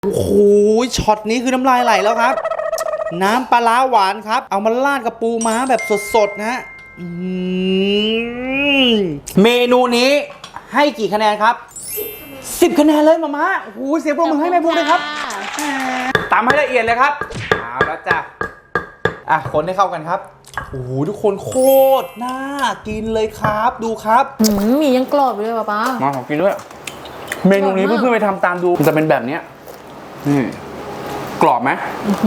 โอ้โหช็อตนี้คือน้ำลายไหลแล้วครับน้ำปลาร้าหวานครับเอามาราดกับปูม้าแบบสดๆนะเมนูนี้ให้กี่คะแนนครับ10 คะแนนเลยมาม่าโอ้โหเสียงปรบมือให้แม่บุ๊กเลยครับตามให้ละเอียดเลยครับเอาแล้วจ้ะคนให้เข้ากันครับโอ้โหทุกคนโคตรน่ากินเลยครับดูครับหมี่ยังกรอบอยู่เลยป้ามาขอกินด้วยเมนูนี้เพื่อนๆไปทำตามดูมันจะเป็นแบบนี้นี่กรอบไหม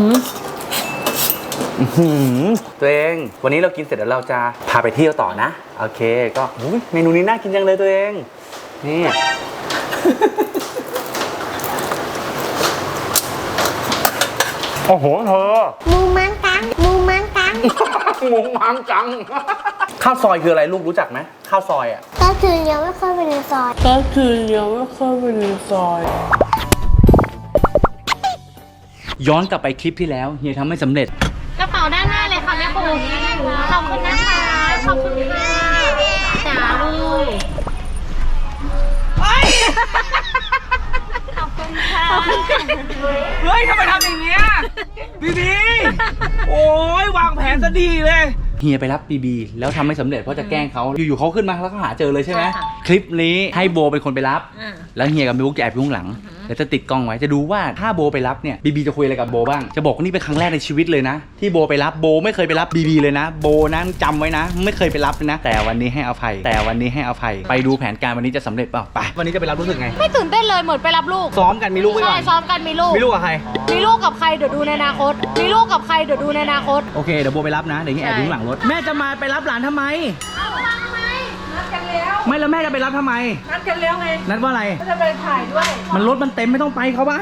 ตัวเองวันนี้เรากินเสร็จแล้วเราจะพาไปเที่ยวต่อนะโอเคก็เมนูนี้น่ากินจังเลยตัวเองนี่โอ้โหเธอมูมังกังมูมังกังมูมังกังข้าวซอยคืออะไรลูกรู้จักไหมข้าวซอยอ่ะก็คือเลี้ยวไม่เข้าไปในซอยย้อนกลับไปคลิปที่แล้วเฮียทำไม่สำเร็จกระเป๋าด้านหน้าเลยค่ะแม่ปูขอบคุณนะคะขอบคุณค่ะจ๋าลูกขอบคุณค่ะเฮ้ยทำไมทำอย่างเงี้ยบีบีโอ้ยวางแผนซะดีเลยเฮียไปรับบีบีแล้วทำไม่สำเร็จเพราะจะแกล้งเขาอยู่ๆเขาขึ้นมาแล้วก็หาเจอเลยใช่ไหมคลิปนี้ให้โบเป็นคนไปรับแล้วเฮียกับบิ๊กจะแอบอยู่ข้างหลังแล้วจะติดกล้องไว้จะดูว่าถ้าโบไปรับเนี่ยบีบีจะคุยอะไรกับโบบ้างจะบอกว่านี่เป็นครั้งแรกในชีวิตเลยนะที่โบไปรับโบไม่เคยไปรับบีบีเลยนะโบนะจำไว้นะไม่เคยไปรับเลยนะแต่วันนี้ให้อภัยไปดูแผนการวันนี้จะสำเร็จเปล่าไปวันนี้จะไปรับรู้สึกไงไม่ตื่นเต้นเลยเหมือนไปรับลูกซ้อมกันมีลูกไว้ก่อนใช่ซ้อมกันมีลูกกับใครมีลูกกับใครเดี๋ยวดูในอนาคตมีลูกกับใครเดี๋ยวดูในอนาคตโอเคเดี๋ยวโบไปรับนะเดี๋ยวนี้แอบอยู่หลังรถแม่จะมาไปรับหลานทำไมนัดกันแล้วไม่แล้วแม่จะไปรับทำไมนัดกันแล้วไงนัดว่าอะไรจะไปถ่ายด้วยมันรถมันเต็มไม่ต้องไปเข้าบ้าน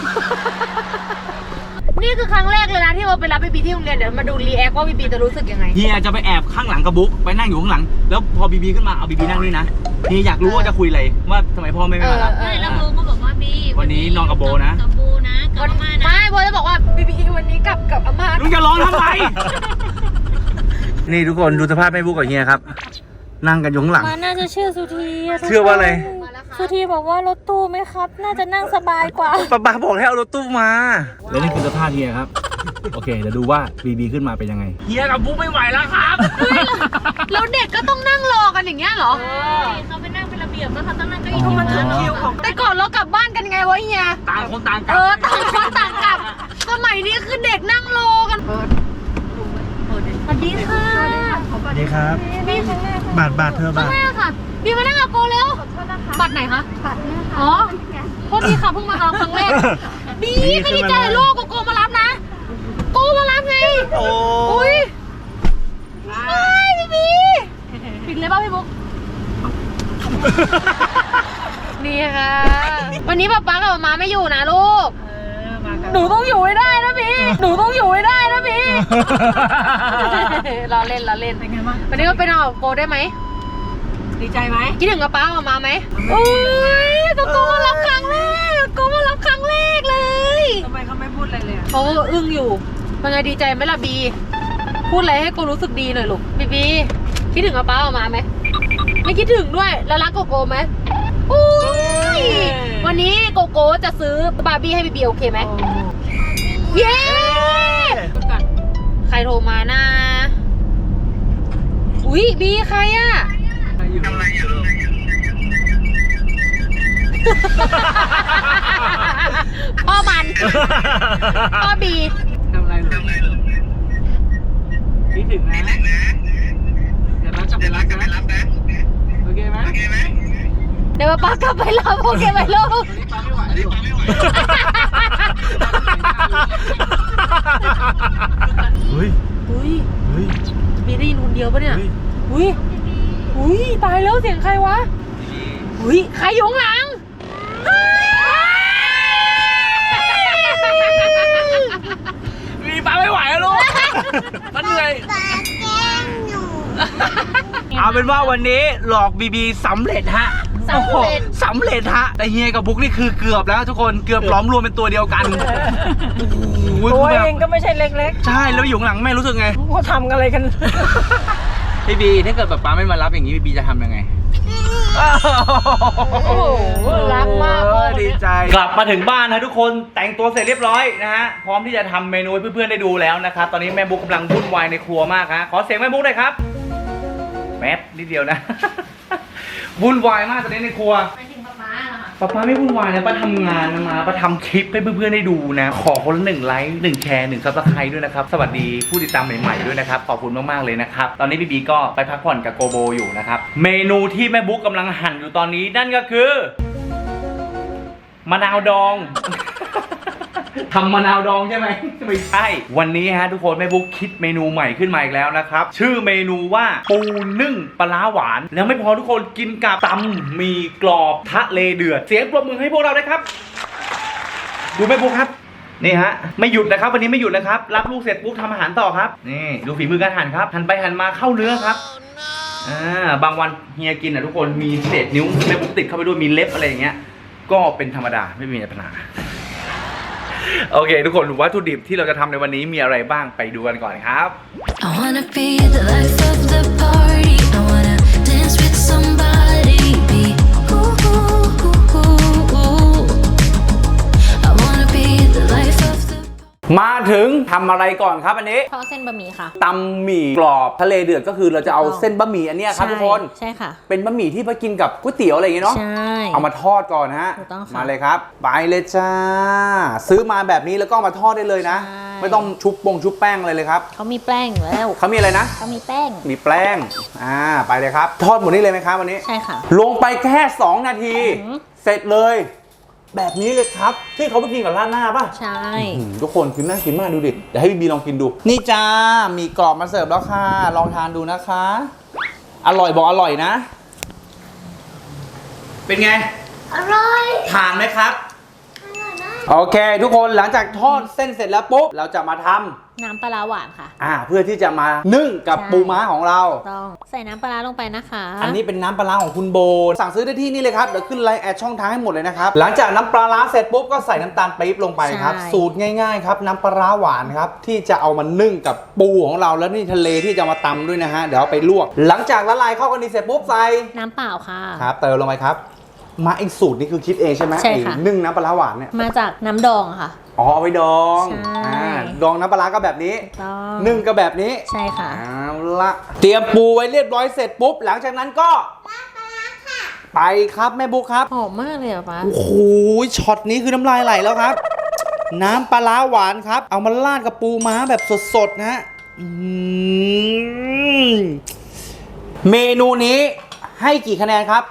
นี่คือครั้งแรกเลยนะที่เราไปรับบีบีที่โรงเรียนเดี๋ยวมาดูรีแอคว่าบีบีจะรู้สึกยังไงเฮียจะไปแอบข้างหลังกับบุ๊กไปนั่งอยู่ข้างหลังแล้วพอบีบีขึ้นมาเอาบีบีนั่งนี่นะเฮียอยากรู้ว่าจะคุยอะไรว่าทำไมพ่อไม่มารับไม่แล้วโบก็บอกว่าบีวันนี้นอนกับโบนะกับโบนะกับอาม่านะไม่โบจะบอกว่าบีบีวันนี้กับอาม่าลุงจะร้องทำไม นี่ทุกคนดูสภาพแม่บุ๊กกับเฮียครับนั่งกันอยู่ข้างหลังมาน่าจะชื่อสุธีเชื่อว่าอะไรสุธีบอกว่ารถตู้ไหมครับน่าจะนั่งสบายกว่าป้าบอกให้เอารถตู้มาแล้วนี่คือสภาพเฮียครับโอเคเดี๋ยวดูว่าบีบีขึ้นมาเป็นยังไงเฮียกับบุ๊กไม่ไหวแล้วครับแล้วเด็กก็ต้องนั่งรอกันอย่างเงี้ยเหรอเขาไปนั่งเป็นระเบียบแล้วเขาต้องนั่งเก้าอี้ที่มันถึงคิวของแต่ก่อนเรากลับบ้านกันไงวะเฮียต่างคนต่างกลับต่างคนต่างกลับสมัยนี้คือเด็กนั่งรอกันสวัสดีค่ะสวัสดีครับบาทเธอบาทค่ะบีมานั่งกับโกเร็วบัตรไหนคะบัตรอ๋อโทษทีค่ะเพิ่งมาครั้งแรกบีไม่ดีใจลูกโกมารับนะโกมารับไงโอ้ยบีปิดเลยป่ะพี่บุ๊กนี่ค่ะวันนี้ป๊ากับมาไม่อยู่นะลูกหนูต้องอยู่ให้ได้นะพี่หนูต้องอยู่ให้ได้นะพี่เราเล่นเป็นไงบ้างวันนี้ก็ไปนอนกับโกได้ไหมดีใจไหมคิดถึงกับป้ากับมาไหมโอ้ยโกมารับครั้งแรกเลยทำไมเขาไม่พูดอะไรเลยเขาอึ้งอยู่เป็นไงดีใจไหมล่ะบีพูดอะไรให้โกรู้สึกดีหน่อยลูกบีคิดถึงกับป้ากับมาไหมไม่คิดถึงด้วยแล้วรักโกไหมอุ้ยวันนี้โกจะซื้อบาร์บี้ให้บีโอเคไหมเย้ใครโทรมานะอุ๊ยบีใครอะทำอะไรอยู่พ่อมันพ่อบีทำอะไรหรอคิดถึงนะเดี๋ยวจะไปรับนะโอเคไหมเดี๋ยวป้ากลับไปรับโอเคไหมลูกป้าไม่ไหวดิอุ้ยมีได้ยินคนเดียวปะเนี่ยอุ้ยตายแล้วเสียงใครวะอุ้ยใครอยู่ข้างหลังมีป้าไม่ไหวแล้วลูกมันเหนื่อยเอาเป็นว่าวันนี้หลอกบีบีสำเร็จฮะสำเร็จฮะแต่เฮียกับบุ๊กนี่คือเกือบแล้วทุกคนเกือบล้อมรวมเป็นตัวเดียวกันตัวเองก็ไม่ใช่เล็กๆใช่แล้วอยู่ข้างหลังแม่รู้สึกไงเขาทำอะไรกันพี่บีถ้าเกิดแบบป้าไม่มารับอย่างนี้บีจะทำยังไงโอ้โหรักมากพ่อคนดีเนี้ยใจกลับมาถึงบ้านนะทุกคนแต่งตัวเสร็จเรียบร้อยนะฮะพร้อมที่จะทำเมนูให้เพื่อนๆได้ดูแล้วนะครับตอนนี้แม่บุ๊กกำลังวุ่นวายในครัวมากฮะขอเสียงแม่บุ๊กหน่อยครับแป๊บนิดเดียวนะ วุ่นวายมากตอนนี้ในครัวไปถึงป๊าป๊าเหรอคะป้าไม่วุ่นวายนะป้าทำงานมาป้าทำคลิปให้เพื่อนๆได้ดูนะขอคนละ1 ไลค์1 แชร์1 ซับสไครต์ด้วยนะครับสวัสดีผู้ติดตามใหม่ๆด้วยนะครับขอบคุณมากๆเลยนะครับตอนนี้บีก็ไปพักผ่อนกับโกโบอยู่นะครับเมนูที่แม่บุ๊กกำลังหั่นอยู่ตอนนี้นั่นก็คือมะนาวดอง ทำมะนาวดองใช่ไหม ไม่ใช่ วันนี้ฮะทุกคนแม่บุ๊กคิดเมนูใหม่ขึ้นมาอีกแล้วนะครับชื่อเมนูว่าปูนึ่งปลาร้าหวานแล้วไม่พอทุกคนกินกับตำหมี่กรอบทะเลเดือดเสียงปรบมือให้พวกเราด้วยครับดูแม่บุ๊กครับนี่ฮะไม่หยุดนะครับวันนี้ไม่หยุดนะครับรับลูกเสร็จปุ๊บทำอาหารต่อครับนี่ดูฝีมือการหั่นครับหั่นไปหั่นมาเข้าเนื้อครับบางวันเฮียกินทุกคนมีเศษนิ้วแม่บุ๊กติดเข้าไปด้วยมีเล็บอะไรอย่างเงี้ยก็เป็นธรรมดาไม่มีปัญหาโอเคทุกคนวัตถุดิบที่เราจะทำในวันนี้มีอะไรบ้างไปดูกันก่อนครับ I wanna be the life of the party. I wanna dance with somebody. Be ooh, ooh, ooh, ooh, ooh. I wanna be the life of the มาถึงทำอะไรก่อนครับอันนี้ทอดเส้นบะหมี่ค่ะตำหมี่กรอบทะเลเดือดก็คือเราจะเอาเส้นบะหมี่อันเนี้ยครับทุกคนใช่ค่ะเป็นบะหมี่ที่ไปกินกับก๋วยเตี๋ยวอะไรอย่างเงี้ยเนาะใช่เอามาทอดก่อนฮะถูกต้องค่ะมาเลยครับไปเลยจ้าซื้อมาแบบนี้แล้วก็เอามาทอดได้เลยนะใช่ไม่ต้องชุบแป้งอะไรเลยครับเขามีแป้งอยู่แล้วเขามีอะไรนะเขามีแป้งมีแป้งไปเลยครับทอดหมดนี้เลยไหมครับวันนี้ใช่ค่ะลงไปแค่2 นาทีอืมเสร็จเลย แบบนี้เลยครับที่เขาไปกินกับราดหน้าป่ะใช่ทุกคนกินน่ากินมากดูดิเดี๋ยวให้บีลองกินดู นี่จ้ามีกรอบมาเสิร์ฟแล้วค่ะลองทานดูนะคะ อร่อยบอกอร่อยนะ เป็นไงอร่อยทานไหมครับอร่อยมากโอเค ทุกคนหลังจากทอดเส้นเสร็จแล้วปุ๊บเราจะมาทำน้ำปลาร้าหวานค่ะเพื่อที่จะมานึ่งกับใช่ปูม้าของเราต้องใส่น้ำปลาร้าลงไปนะคะอันนี้เป็นน้ำปลาร้าของคุณโบสั่งซื้อได้ที่นี่เลยครับเดี๋ยวขึ้นไลน์แอดช่องทางให้หมดเลยนะครับหลังจากน้ำปลาร้าเสร็จปุ๊บก็ใส่น้ำตาลปี๊บลงไปครับใช่สูตรง่ายๆครับน้ำปลาร้าหวานครับที่จะเอามานึ่งกับปูของเราแล้วนี่ทะเลที่จะมาตำด้วยนะฮะเดี๋ยวเอาไปลวก หลังจากละลายเข้ากันดีเสร็จปุ๊บใส่น้ำเปล่าค่ะครับเติมลงไปครับมาไอ้สูตรนี้คือคิดเองใช่ไหมใช่ค่ะไอ้นึ่งน้ำปลาร้าหวานเนี่ยมาจากน้ำดองค่ะอ๋อเอาไปดองใช่ดองน้ำปลาร้าก็แบบนี้ต้องนึ่งก็แบบนี้ใช่ค่ะเอาละเตรียมปูไว้เรียบร้อยเสร็จปุ๊บหลังจากนั้นก็ไปครับแม่บุ๊คครับหอมมากเลยอ่ะป้าโอ้โหช็อตนี้คือน้ำลายไหลแล้วครับ น้ำปลาร้าหวานครับ เอามาราดกับปูม้าแบบสดๆนะฮะเมนูนี้ให้กี่คะแนนครับ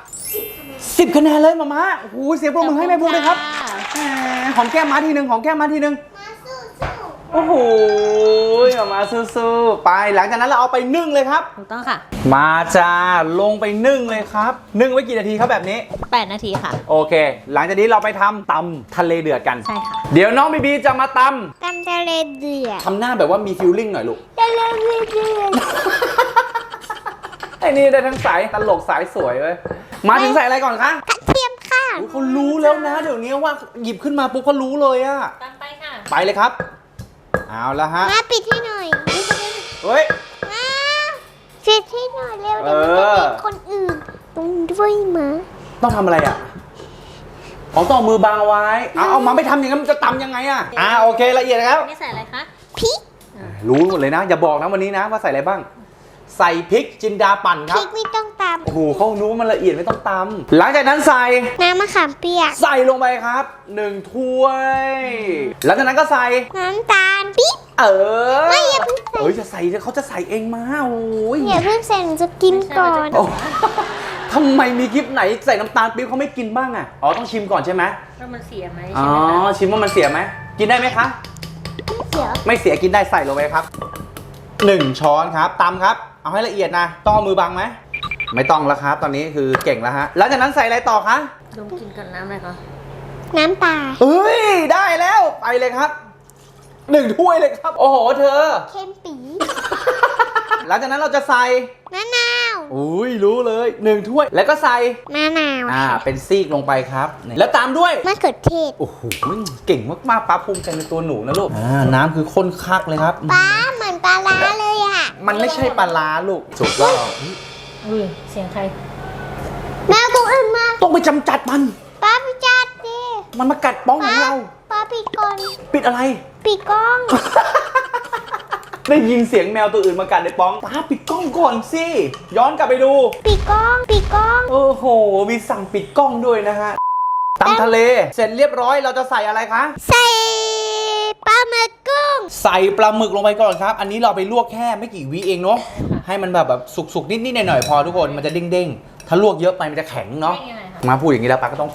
10 คะแนนเลยมาม่าโอ้โหเสียงปรบมือให้แม่บุ๊คเลยครับแหมหอมแก้มม้าทีหนึ่งหอมแก้มม้าทีหนึ่งมาสู้สู้โอ้โหมาสู้ๆไปหลังจากนั้นเราเอาไปนึ่งเลยครับถูกต้องค่ะมาจ้าลงไปนึ่งเลยครับนึ่งไว้กี่นาทีครับแบบนี้ 8 นาทีค่ะโอเค หลังจากนี้เราไปทำตำทะเลเดือดกันใช่ค่ะเดี๋ยวน้องบีบีจะมาตตำทะเลเดือดำทำหน้าแบบว่ามีฟิลลิ่งหน่อยลูกทะเลเดือดไอ้นี่ได้ทั้งสายตลกสายสวยเว้ยมาถึงใส่อะไรก่อนคะกระเทียมค่ะอุ๊ยเขารู้แล้วนะเดี๋ยวนี้ว่าหยิบขึ้นมาปุ๊บเขารู้เลยอะตามไปค่ะไปเลยครับ เอาละฮะมาปิดให้หน่อยเฮ้ยมาปิดให้หน่อยเร็วเดี๋ยวมันจะเป็นคนอื่นตรงด้วยมาต้องทำอะไรอะของต้องเอามือบังเอาไว้เอามาไม่ทำอย่างนั้นมันจะตำยังไงอะโอเคละเอียดแล้วนี่ใส่อะไรคะพริกรู้หมดเลยนะ อย่าบอกนะวันนี้นะว่าใส่อะไรบ้าง ใส่พริกจินดาปั่นคพรัริบกไม่ต้องตโอ้โหเขารู้ว่ามันละเอียดไม่ต้องตำหลังจากนั้นใส่ำน้ำมะขามเปียกใส่ลงไปครับ1 ถ้วยหลังจากนั้นก็ใส่น้ำตาลปิ๊บ ไม่อย่าเพิ่งใส่จะใส่เขาจะใส่เองมาโอ้ยอย่าเพิ่งใส่หนูจะกินก่อนโอ้ทำไมมีคลิปไหนใส่น้ำตาลปี๊บเขาไม่กินบ้างอ่ะอ๋อต้องชิมก่อนใช่ไหมว่ามันเสียไหมอ๋ใช่อไหมคะชิมว่ามันเสียไหมกินได้ไหมคะเดี๋ยวไม่เสียกินได้ใส่ลงไปครับ1 ช้อนครับตำครับเอาให้ละเอียดนะต้องเอามือบังไหมไม่ต้องแล้วครับตอนนี้คือเก่งแล้วฮะหลังจากนั้นใส่อะไรต่อคะดมกินกับน้ำอะไรคะน้ำปลาเฮ้ยได้แล้วไปเลยครับ1 ถ้วยเลยครับ โอ้โหเธอเค็มปีหลังจากนั้นเราจะใส่มะนาวอุ้ยรู้เลย1 ถ้วยแล้วก็ใส่มะนาวเป็นซีกลงไปครับนี่แล้วตามด้วยมะเขือเทศโอ้โหเก่งมากๆป้าภูมิใจในตัวหนูนะลูกน้ำคือข้นคักเลยครับปลาเหมือนปลาร้าเลยอ่ะมันไม่ใช่ปลาร้าลูกถูกต้องอุ้ยเสียงใครแม่กูไปกำจัดมันป้าไปจัดดิมันมากัดป้องของเราป้าปิดก่อนปิดอะไรปิดกล้องได้ยินเสียงแมวตัวอื่นมากัดในป้องป้าปิดกล้องก่อนสิย้อนกลับไปดูปิดกล้องปิดกล้องโอ้โหมีสั่งปิดกล้องด้วยนะฮะตำทะเลเสร็จเรียบร้อยเราจะใส่อะไรคะใส่ปลาหมึกกุ้งใส่ปลาหมึกลงไปก่อนครับ อันนี้เราไปลวกแค่ไม่กี่วิเองเนาะให้มันแบบสุกๆนิดๆหน่อยๆพอทุกคนมันจะเด้งๆถ้าลวกเยอะไปมันจะแข็งเนาะมาพูดอย่างนี้แล้วป้าก็ต้อง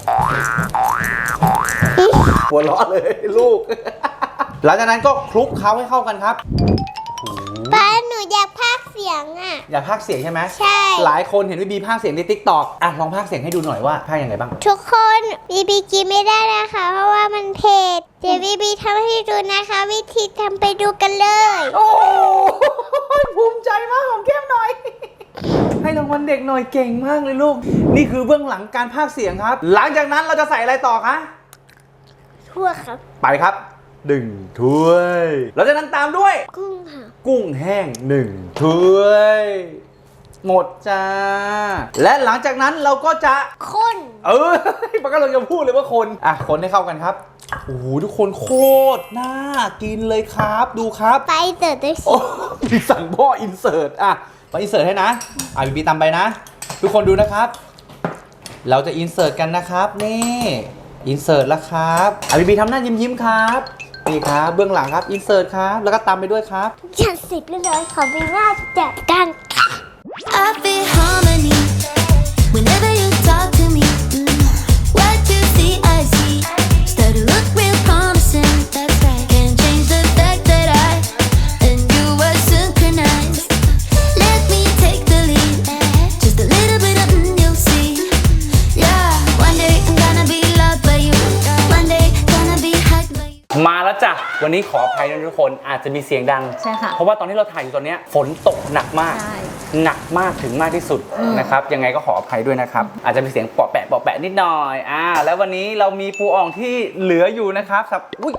หัวเราะเลยลูก หลังจากนั้นก็คลุกเคล้าให้เข้ากันครับป้าหนูอยากพากย์เสียงอ่ะอยากพากย์เสียงใช่ไหมใช่หลายคนเห็นพี่บีพากย์เสียงใน TikTok อ่ะลองพากย์เสียงให้ดูหน่อยว่าพากย์ยังไงบ้างทุกคนบีกินไม่ได้นะคะ เพราะว่ามันเผ็ดเดี๋ยวบีทำให้ดูนะคะ วิธีทำไปดูกันเลยโอ้ภูมิใจมากของแก้มหน่อย ให้รางวัลเด็กหน่อยเก่งมากเลยลูกนี่คือเบื้องหลังการพากย์เสียงครับ หลังจากนั้นเราจะใส่อะไรต่อคะทั่วครับไปครับ1 ถ้วยเราจะนั้นตามด้วยกุ้งค่ะกุ้งแห้ง1 ถ้วย หมดจ้า และหลังจากนั้นเราก็จะคนปากกาเราจะพูดเลยว่าคนอ่ะคนให้เข้ากันครับโอ้โหทุกคนโคตรน่ากินเลยครับดูครับไปเติร์ดด้วยสิโอ้พี่สั่งพ่ออินเสิร์ตอ่ะมาอินเสิร์ตให้นะบีตามไปนะ ทุกคนดูนะครับ เราจะอินเสิร์ตกันนะครับนี่อินเสิร์ตแล้วครับบีทำหน้ายิ้มๆครับนี่ครับเบื้องหลังครับอินเสิร์ตครับแล้วก็ตามไปด้วยครับจัดสิบเลยขอบีน่าจัดกัน I feel harmony whenever you talk to me. What you see, I see. Start to look real promising. That's right. Can't change the fact that I and you were synchronized. Let me take the lead. Just a little bit of you'll see. Yeah, one day I'm gonna be loved by you. One day gonna be hugged by you. มาแล้วจ้ะวันนี้ขออภัยนะทุกคนอาจจะมีเสียงดังใช่ค่ะเพราะว่าตอนที่เราถ่ายอยู่ตอนนี้ฝนตกหนักมากใช่หนักมากถึงมากที่สุดนะครับยังไงก็ขออภัยด้วยนะครับอาจจะมีเสียงปอแปะนิดหน่อยแล้ววันนี้เรามีปูอ่องที่เหลืออยู่นะครับอุ้ย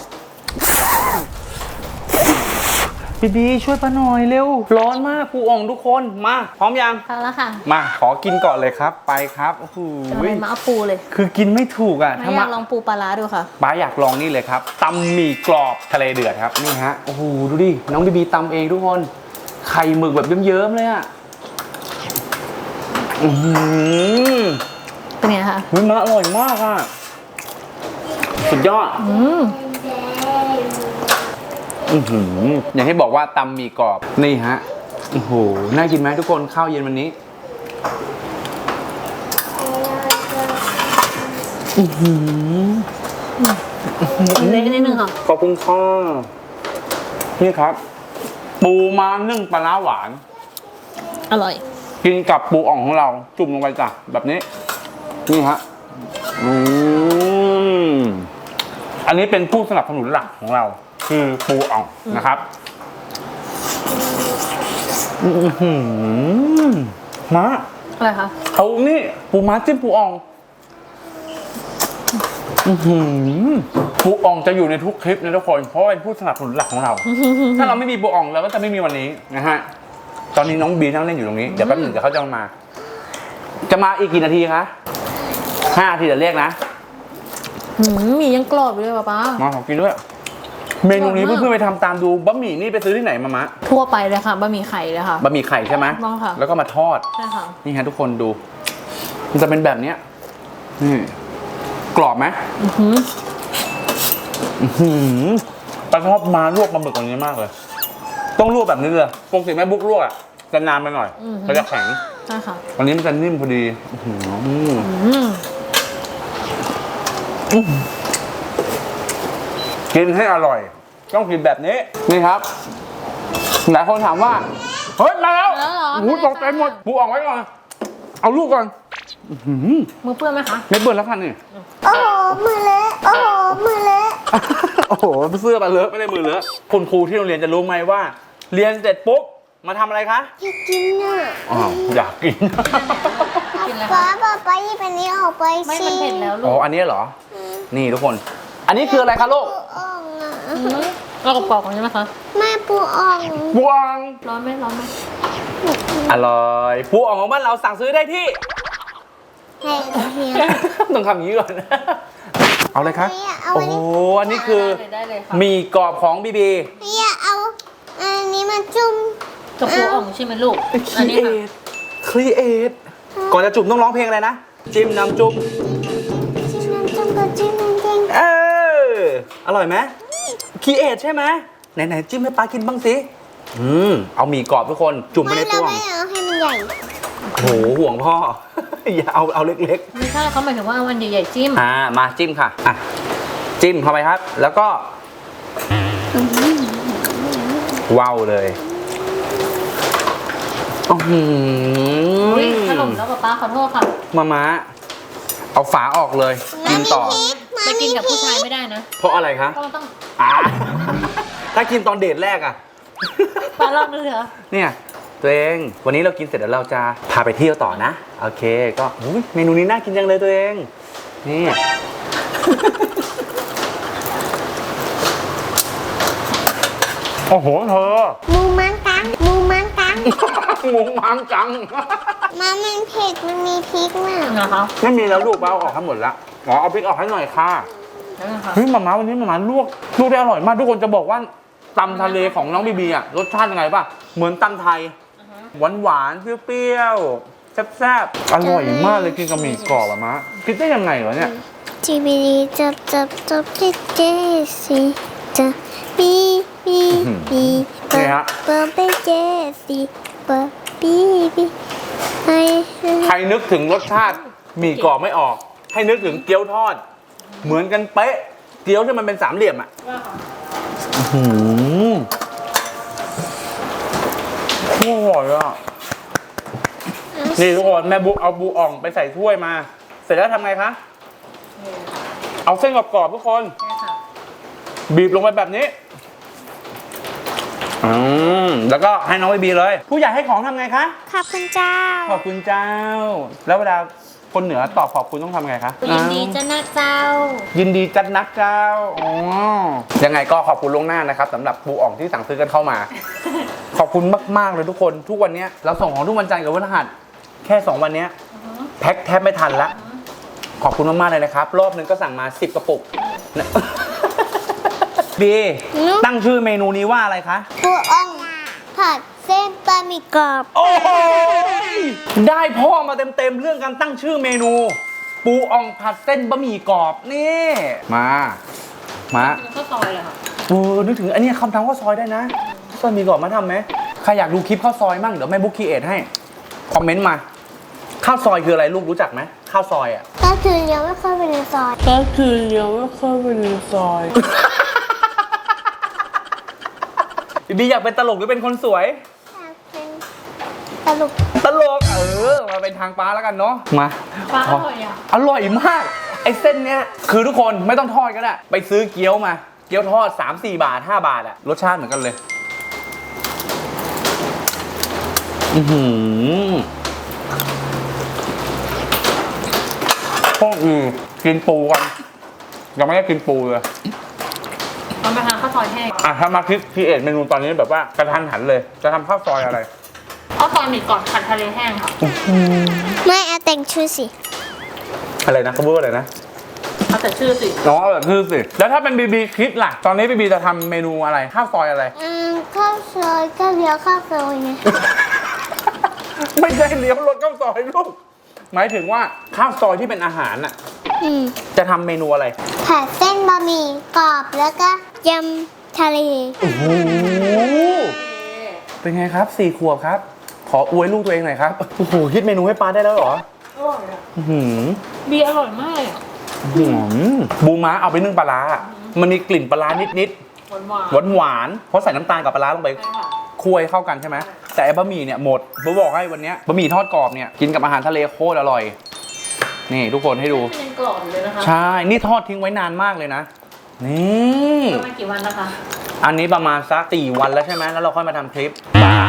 บีช่วยป้าหน่อยเร็วร้อนมากปูอ่องทุกคนมาพร้อมยังพอแล้วค่ะมาขอกินก่อนเลยครับไปครับโอ้โหจะอะไรมาเอาปูเลยคือกินไม่ถูกอ่ะไม่อยากลองปูปลาร้าดูค่ะป้าอยากลองนี่เลยครับตำหมี่กรอบทะเลเดือดครับนี่ฮะโอ้โหดูดิน้องบีตำเองทุกคนไข่หมึกแบบเยิ้มๆเลยอ่ะเป็นไงคะมันอร่อยมากอ่ะสุดยอดอย่างที่บอกว่าตำหมี่กรอบนี่ฮะโอ้โหน่ากินไหมทุกคนข้าวเย็นวันนี้เล็กนิดนึงค่ะขอบคุณค่ะนี่ครับ ปูม้านึ่งปลาร้าหวานอร่อยกินกับปูอ่องของเราจุ่มลงไปจ้ะแบบนี้นี่ฮะอันนี้เป็นผู้สนับสนุนหลักของเราคือปูอ่องนะครับม้าอะไรคะเอานี่ปูม้าจิ้มปูอ่องปูอ่องจะอยู่ในทุกคลิปนะทุกคนเพราะเป็นผู้สนับสนุนหลักของเรา ถ้าเราไม่มีปูอ่องเราก็จะไม่มีวันนี้นะฮะตอนนี้น้องบีนั่งเล่นอยู่ตรงนี้เดี๋ยวแป๊บหนึ่งเดี๋ยวเขาจะมาอีกกี่นาทีคะ5 นาทีเดี๋ยวเรียกนะหมี่ยังกรอบอยู่เลยป้ามาขอกินด้วยเมนูนี้เพื่อนๆไปทำตามดูบะหมี่นี่ไปซื้อที่ไหนมามะทั่วไปเลยค่ะบะหมี่ไข่เลยค่ะบะหมี่ไข่ใช่ไหมต้องค่ะแล้วก็มาทอดใช่ค่ะนี่ฮะทุกคนดูมันจะเป็นแบบเนี้ยนี่กรอบไหมปลาชอบมาลวกปลาหมึกแบบนี้มากเลยต้องลวกแบบนี้เลยปกติแม่บุ๊กลวกอ่ะจะนานไปหน่อยมันจะแข็งใช่ค่ะวันนี้มันจะนิ่มพอดีกินให้อร่อยต้องกินแบบนี้นี่ครับหลายคนถามว่าเฮ้ยมาแล้วแล้วเหรอหูตกใจหมดปูอ่องไว้ก่อนเอาลูกก่อนมือเปื้อนไหมคะไม่เบื่อแล้วค่ะนี่โอ้โหมือเละโอ้โหมือเละโอ้โหเสื้อมาเลอะไม่ได้มือเลอะคุณครูที่โรงเรียนจะรู้ไหมว่า เรียนเสร็จปุ๊บมาทำอะไรคะอยากกินอ่ะอยากกินกินอะไรป้าคะป้าหยิบอันนี้ออกไปไม่สิมันเผ็ดแล้วลูอ๋อก อันนี้เหรอนี่ทุกคน อันนี้คืออะไรคะลูกปูอ่องอ่ะเรากรอบๆกันใช่ไหมคะแม่ปูอ่องปูอ่องร้อนไหมร้อนไหมอร่อยปูอ่องของบ้านเราสั่งซื้อได้ที่ให้เฮียต้องทำอย่างนี้ก่อน เอาเลยครับเอาโอ้อันโหนี้อันนี้คือได้เลยค่ะหมี่กรอบของบีบีเฮียเอาอันนี้มาจุ่มกับปูอ่องใช่ไหมลูก อันนี้ค่ะครีเอทก่อนจะจุ่มต้องร้องเพลงอะไรนะ จิ้มน้ำจุ่มจิ้มน้ำจุ่มกับจิ้มน้ำแดงเอออร่อยไหมครีเอทใช่ไหมไหนๆจิ้มให้ป้ากินบ้างสิเอาหมี่กรอบทุกคนจุ่มไปไม่ในเราต้วงไม่เอาให้มันใหญ่โหห่วงพ่อ อย่าเอาเล็กไม่ใช่เขาหมายถึงว่าเอาวันใหญ่ๆจิ้มๆมาจิ้มค่ะอ่ะจิ้มเข้าไปครับ แล้วก็ว้าวเลยอื้อหืออุ๊ยขนมแล้วป๊าขอโทษค่ะมาเอาฝาออกเลยกินต่อไปกินกับผู้ชายไม่ได้นะเพราะอะไรคะเพราะมันต้องอ่า ถ้ากินตอนเดทแรกอะปลาลองดูเหรอเนี่ยตัวเองวันนี้เรากินเสร็จแล้วเราจะพาไปเที่ยวต่อนะโอเคก็อุ๊ยเมนูนี้น่ากินจังเลยตัวเองนี่ โอ้โหเธอมูมังกังมูมังกังหมูมังจังมันเผ็ดมันมีพริกมากนะคะไม่มีแล้วลูกเราเอาออกทั้งหมดแล้วอ๋อเอาพริกออกให้หน่อยค่ะนั่นนะคะเฮ้ยหม่าวันนี้หม่าลวกได้อร่อยมากทุกคนจะบอกว่าตำทะเลของน้องบีบีอะรสชาติยังไงป่ะเหมือนตำไทยหวานๆเปรี้ยวๆแซ่บๆอร่อยมากเลยกินกับหมี่กรอบอะมะคิดได้ยังไงเหรอเนี่ยจีบีดีจับเจสิจับบีเปิดไปเจสิเปิดบีให้ใครนึกถึงรสชาติหมี่กรอบไม่ออก ให้นึกถึงเกี๊ยวทอด เหมือนกันเป๊ะเกี๊ยวที่มันเป็นสามเหลี่ยมอะโอ้โหอร่อยอะนี่ทุกคนแม่บุ๊กเอาบูอ่องไปใส่ถ้วยมา เสร็จแล้วทำไงคะ เอาเส้นกรอบๆทุกคนใช่ค่ะบีบลงไปแบบนี้แล้วก็ให้น้องบีเลย ผู้ใหญ่ให้ของทำไงคะขอบคุณเจ้าขอบคุณเจ้า แล้วเวลาคนเหนือตอบขอบคุณต้องทำไงคะยินดีจะนะเจ้ายินดีจัดนักเจ้าอ๋อยังไงก็ขอบคุณล่วงหน้านะครับสำหรับปูอ่องที่สั่งซื้อกันเข้ามา ขอบคุณมากๆเลยทุกคนทุกวันนี้เราส่งของทุกวันจันทร์กับวันพฤหัสแค่2วันนี้แพ็คแทบไม่ทันละขอบคุณมากๆเลยนะครับรอบนึงก็สั่งมา10กระปุกนะ บีตั้งชื่อเมนูนี้ว่าอะไรคะปูอ่องผัดเส้นบะหมี่กรอบโอ้โหได้พ่อมาเต็มๆเรื่องการตั้งชื่อเมนู ปูอ่องผัดเส้นบะหมี่กรอบนี่มาเป็นข้าวซอยเลยค่ะนึกถึงอันนี้คำทำข้าวซอยได้นะข้าวซอยมีกรอบมาทำไหมใครอยากดูคลิปข้าวซอยมั่งเดี๋ยวแม่บุ๊กคีเอทให้คอมเมนต์มาข้าวซอยคืออะไรลูกรู้จักไหมข้าวซอยอ่ะก็คือยังไม่เข้าไปในซอยก็คือยังไม่เข้าไปในซอยบีอยากเป็นตลกหรือเป็นคนสวยตลกตลกมาเป็นทางป้าแล้วกันเนาะมาปลาอร่อยอ่ะอร่อยมากไอ้เส้นเนี้ยคือทุกคนไม่ต้องทอดก็ได้ไปซื้อเกี๊ยวมาเกี๊ยวทอด 3-4 บาท 5 บาทอะรสชาติเหมือนกันเลยพวกกินปูกันยังไม่ได้กินปูเลยตอนไปทานข้าวซอยแห้งถ้ามาคิดพีเอทเมนูตอนนี้แบบว่ากระทันหันเลยจะทำข้าวซอยอะไรข้าวซอยหมี่กรอบผัดทะเลแห้งค่ะไม่เอาแต่งชื่อสิอะไรนะเขาพูดว่าอะไรนะเอาแต่ชื่อสิน้องเอาแบบคือสิแล้วถ้าเป็นบีบีคิดล่ะตอนนี้บีบีจะทำเมนูอะไรข้าวซอยอะไรข้าวซอยก็เลี้ยวข้าวซอยไงไม่ใช่เลี้ยวรถข้าวซอยลูกหมายถึงว่าข้าวซอยที่เป็นอาหารน่ะจะทำเมนูอะไรผัดเส้นบะหมี่กรอบแล้วก็ยำทะเลโอ้โหเป็นไงครับ4 ขวบครับ ขออวยลูกตัวเองหน่อยครับโอ้โหคิดเมนูให้ป้าได้แล้วเหรออร่อยอ่ะบีอร่อยมากเลยอ่ะบูม้าเอาไปนึ่งปลาร้ามันมีกลิ่นปลาร้านิดหวานๆหวานๆเพราะใส่น้ำตาลกับปลาร้าลงไปใช่ค่ะคั่วให้เข้ากันใช่ไหมแต่ไอ้บะหมี่เนี่ยหมดผมบอกให้วันเนี้ยบะหมี่ทอดกรอบเนี่ยกินกับอาหารทะเลโคตรอร่อยนี่ทุกคนให้ดูมันยังกรอบอยู่เลยนะคะใช่นี่ทอดทิ้งไว้นานมากเลยนะนี่ประมาณกี่วันนะคะอันนี้ประมาณสัก4 วันแล้วใช่ไหมแล้วเราค่อยมาทำคลิป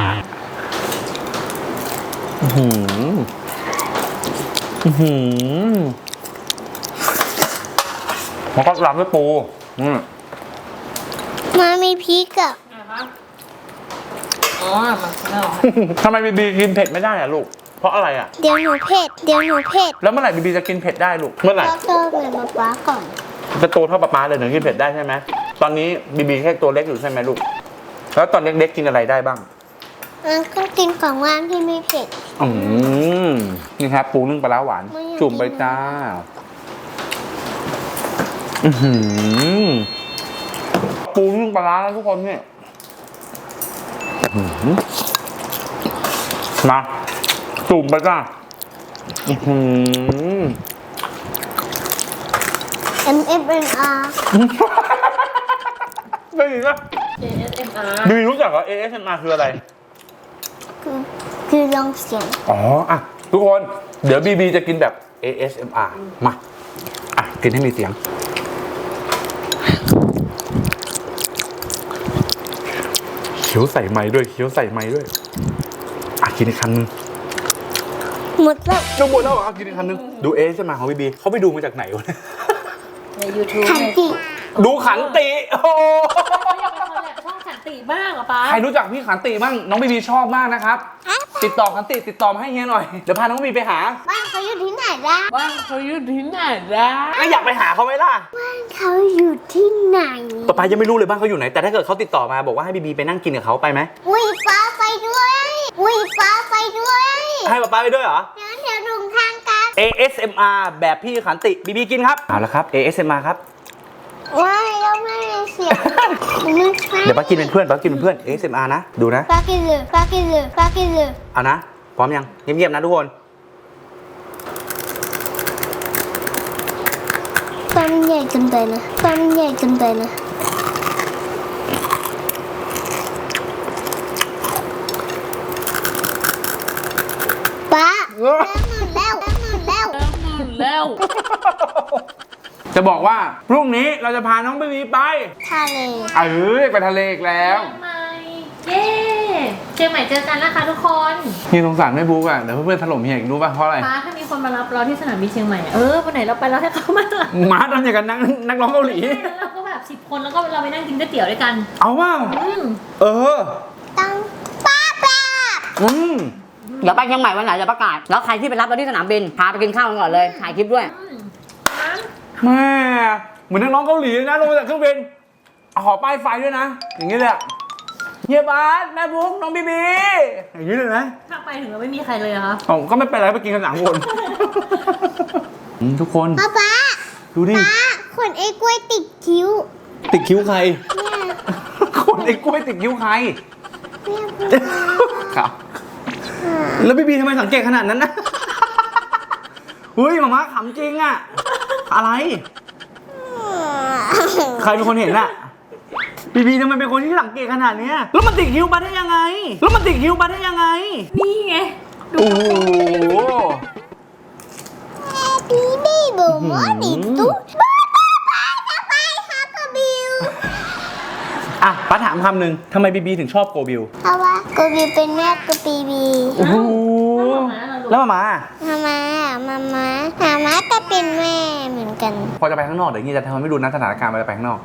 แล้วก็รับด้วยปูมามีพริกอ่ะนะคะอ๋อมันไม่ออกทำไมบีบีกินเผ็ดไม่ได้อะลูกเพราะอะไรอ่ะเดี๋ยวหนูเผ็ดแล้วเมื่อไหร่บีบีจะกินเผ็ดได้ลูก เมื่อไหร่โตเหมือนป๊าก่อนจะโตเท่าป๊าเลยถึงกินเผ็ดได้ใช่ไหมตอนนี้บีบีแค่ตัวเล็กอยู่ใช่ไหมลูก แล้วตอนเล็กๆกินอะไรได้บ้างก็กินของว่างที่ไม่เผ็ดนี่ครับปูนึ่งปลาร้าหวานไม่อยากจุ่มไปกินจ้าอื้อหือปูนึ่งปลาร้าแล้วทุกคนเนี่ยอื้อหือมาจุ่มไปจ้าอื้อหือ MFNR ได้ยินปะ ASMR บีบีรู้จักเหรอ ASMR คืออะไรคือลองเสียงอ๋ออ่ะทุกคนเดี๋ยวบีบีจะกินแบบ ASMR มาอ่ะกินให้มีเสียงเคี้ยวใส่ไม้ด้วยเคี้ยวใส่ไม้ด้วยอ่ะกินอีกคำนึงหมดแล้วดูหมดแล้วเหรออ่ะกินอีกคำนึงดู ASMR ของบีบีเขาไปดูมาจากไหนวะเนี่ยใน YouTube ขันติดูขันติโอ้โหเขาอยากเป็นคนแบบช่องขันติบ้างเหรอป๊าใครรู้จักพี่ขันติบ้างน้องบีบีชอบมากนะครับติดต่อขันติติดต่อมาให้เฮียหน่อยเดี๋ยวพาน้องบีบีไปหาบ้านเขาอยู่ที่ไหนล่ะบ้านเขาอยู่ที่ไหนนะก็อยากไปหาเขาไหมล่ะบ้านเขาอยู่ที่ไหนป๊าป๊ายังไม่รู้เลยบ้านเขาอยู่ไหนแต่ถ้าเกิดเขาติดต่อมาบอกว่าให้บีบีไปนั่งกินกับเขาไปไหมอุ้ยฟ้าไปด้วยอุ้ยฟ้าไปด้วยให้ป๊าป๊าไปด้วยเหรอเดี๋ยวลงทางกัน ASMR แบบพี่ขันติบีบีกินครับเอาละครับ ASMR ครับว้ายเราไม่ได้เสียงไม่ใช่เดี๋ยวป้ากินเป็นเพื่อนป้ากินเป็นเพื่อน ASMR นะดูนะปากินเลยปากินเลยปากินเลยเอานะพร้อมยังเงียบๆนะทุกคนฟ้ามันใหญ่เกินไปนะฟ้ามันใหญ่เกินไปนะป้าหมื่นแล้วหมื่นแล้วแล้วจะบอกว่าพรุ่งนี้เราจะพาน้องบีบีไปทะเลไปทะเลอีกแล้วเชียงใหม่เย้เชียงใหม่เจอกันนะคะทุกคนเฮียสงสารไม่บุ๊กอ่ะเดี๋ยวเพื่อนๆถล่มเฮียอีกรู้ป่ะเพราะอะไรป้าถ้ามีคนมารับเราที่สนามบินเชียงใหม่วันไหนเราไปเราให้เขามารับหมาทำอย่างกันนักร้องเกาหลีแล้วเราก็แบบ10 คนแล้วก็เราไปนั่งกินก๋วยเตี๋ยวด้วยกันเอาว่าอืมเออต้องป้าป้าอืมเดี๋ยวไปเชียงใหม่วันไหนจะประกาศ แล้วใครที่ไปรับเราที่สนามบิน พาไปกินข้าวกันก่อนเลย ถ่ายคลิปด้วยแม่เหมือนนักร้องเกาหลีเลยนะลงมาจากเครื่องบินขอป้ายไฟด้วยนะ อย่างนี้เลยอะเฮียบาสแม่บุ๊กน้องบีบีอย่างนี้เลยนะถ้าไปถึงเราไม่มีใครเลยอะคะอ๋อก็ไม่เป็นไรไปกินกันหลังคน ทุกคนป้าป้าดูดิป้าขนไอ้กล้วยติดคิ้วติดคิ้วใครเนี่ยคนไอ้กล้วยติดคิ้วใครเนี่ยครับ แล้วบีบีทำไมสังเกตขนาดนั้นนะ เฮ้ยหมาม่าขำจริงอะอะไร ใครเป็นคนเห็นอะบีบีทำไมเป็นคนที่สังเกตขนาดเนี้ยแล้วมันติดคิ้วมาได้ยังไงนี่ไงโอ้โหบีบีบอกว่าดิตุ๊ป้าจะไปหากระบิวอ่ะป้าถามคำหนึ่งทำไมบีบีถึงชอบโกบิวเพราะว่ากระบิวเป็นแม่กระบีบีโอ้โหแล้วมามาก็เป็นแม่เหมือนกันพอจะไปข้างนอกเดี๋ยวนี้จะทำให้ดูนะสถานการณ์มันจะไปข้างนอก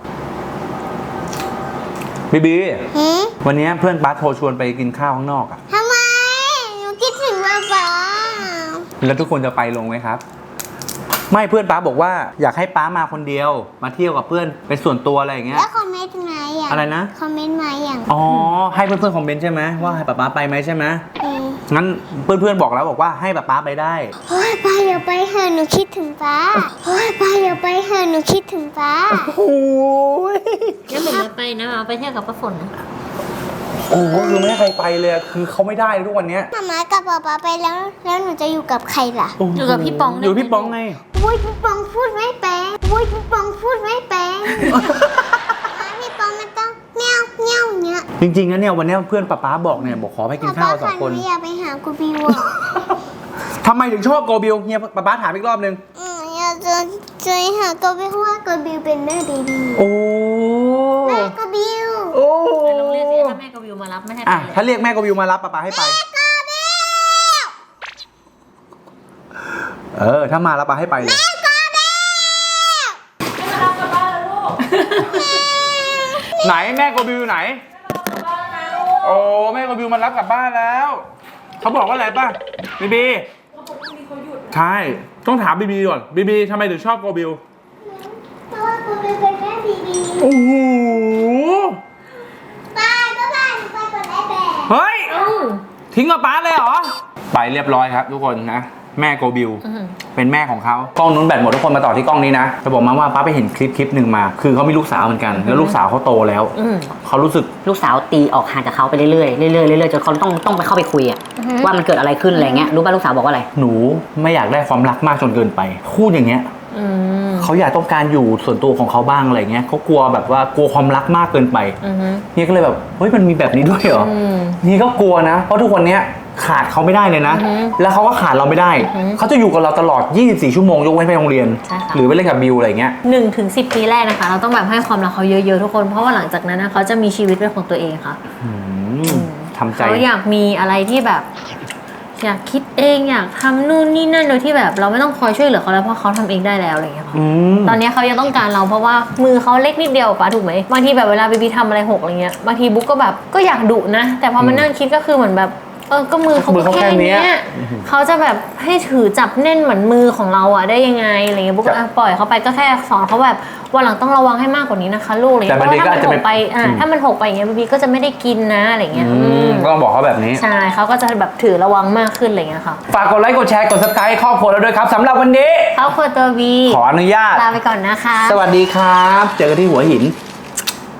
บีบีหืมวันนี้เพื่อนป้าโทรชวนไปกินข้าวข้างนอกอะทำไมหนูคิดถึงป้าป้าแล้วทุกคนจะไปลงไหมครับ ไม่เพื่อนป้าบอกว่าอยากให้ป้ามาคนเดียว มาเที่ยวกับเพื่อนเป็นส่วนตัวอะไรอย่างเงี้ยแล้วคอมเมนต์มาอย่างอะไรนะคอมเมนต์มาอย่างอ๋อให้เพื่อนๆคอมเมนต์ใช่ไหมว่าให้ป้าไปไหมใช่ไหมอืมงั้นเพื่อนๆบอกแล้วบอกว่าให้ป้าไปได้โอ้ยป้าอย่าไปเถอะหนูคิดถึงป้าโอ้ยป้าอย่าไปเถอะหนูคิดถึงป้าโอ้ยงั้นหนูมาไปนะมาไปเที่ยวกับป้าฝนนะโอ้โหคือไม่ให้ใครไปเลยอะคือเขาไม่ได้เลยทุกวันเนี้ยมากับป้าป้าไปแล้วหนูจะอยู่กับใครล่ะอยู่กับพี่ปองอยู่กับพี่ปองไงโอ้ยพี่ปองพูดไม่เป็นโอ้ยพี่ปองพูดไม่เป็นพี่ปองมันต้องเงี้ยวเงี้ยวเงี้ยจริงๆนะเนี่ยวันนี้เพื่อนป้าบอกเนี่ยบอกขอไปกินข้าวสองคนหนูอยากไปหากูบิวอ่ะทำไมถึงชอบโกบิวเฮียป้าถามอีกรอบนึงอยากจะหากูบิวเพราะว่ากูบิวเป็นแม่เบบีโอ้แม่กูบิวโอ้แต่โรงเรียนสิถ้าแม่กับวิวมารับไม่ให้ไปอ่ะเลยถ้าเรียกแม่โกบิวมารับป้าให้ไปถ้ามาแล้วป้าให้ไปเลยไหนแม่โกบิวไหนโอ้แม่โกบิวมารับกลับบ้านแล้วเขาบอกว่าอะไรป่ะบีบีใช่ต้องถามบีบีก่อนบีบีทำไมถึงชอบโกบิลเพราะว่าคุณเป็นแม่บีบีโอ้โหป้าก็บ้านไปกดไอแบกเฮ้ยทิ้งกับป้าเลยเหรอไปเรียบร้อยครับทุกคนนะแม่โกบิลเป็นแม่ของเขากล้องนู้นแบตหมดทุกคนมาต่อที่กล้องนี้นะจะบอกมาว่าป้าไปเห็นคลิปหนึ่งมา คือเขามีลูกสาวเหมือนกัน แล้วลูกสาวเขาโตแล้วเขารู้สึกลูกสาวตีออกห่างจากเขาไปเรื่อยๆเรื่อยๆเรื่อยๆจนเขาต้องไปเข้าไปคุยอะว่ามันเกิดอะไรขึ้นอะไรเงี้ยรู้ป่ะลูกสาวบอกว่าอะไรหนูไม่อยากได้ความรักมากจนเกินไปพูดอย่างเงี้ยเขาอยากต้องการอยู่ส่วนตัวของเขาบ้างอะไรเงี้ยเขากลัวแบบว่ากลัวความรักมากเกินไปนี่ก็เลยแบบเฮ้ยมันมีแบบนี้ด้วยเหรอนี่ก็กลัวนะเพราะทุกวันเนี้ยขาดเขาไม่ได้เลยนะแล้วเขาก็ขาดเราไม่ได้เขาจะอยู่กับเราตลอด24ชั่วโมงยกเว้นไปโรงเรียนหรือไปเล่นกับบิวอะไรเงี้ย 1-10 ปีแรกนะคะเราต้องแบบให้ความรักเขาเยอะๆทุกคนเพราะว่าหลังจากนั้นนะเขาจะมีชีวิตเป็นของตัวเองค่ะทำใจเขาอยากมีอะไรที่แบบ อยากคิดเองอยากทำนู่นนี่นั่นโดยที่แบบเราไม่ต้องคอยช่วยเหลือเขาแล้วเพราะเขาทำเองได้แล้วอะไรอย่างเงี้ยค่ะตอนนี้เขายังต้องการเราเพราะว่ามือเขาเล็กนิดเดียวป้าถูกไหมบางทีแบบเวลาบีบีทำอะไรหกอะไรเงี้ยบางทีบุ๊กก็แบบก็อยากดุนะแต่พอมานั่งคิดก็คือเหมือนแบบก็มือเขาแค่เนี้ยเขาจะแบบให้ถือจับแน่นเหมือนมือของเราอะได้ยังไงอะไรเงี้ยบุ๊กปล่อยเขาไปก็แค่สอนเขาแบบวันหลังต้องระวังให้มากกว่านี้นะคะลูกอะไรเงี้ยเพราะว่าถ้ามันหกไปถ้ามันหกไปอย่างเงี้ยบีบีก็จะไม่ได้กินนะอะไรเงี้ยก็ต้องบอกเขาแบบนี้ใช่เขาก็จะแบบถือระวังมากขึ้นอะไรเงี้ยค่ะฝากกดไลค์กดแชร์กด Subscribe ครอบครัวเราด้วยครับสำหรับวันนี้ครอบครัวตัววีขออนุญาตลาไปก่อนนะคะสวัสดีครับ เจอกันที่หัวหิน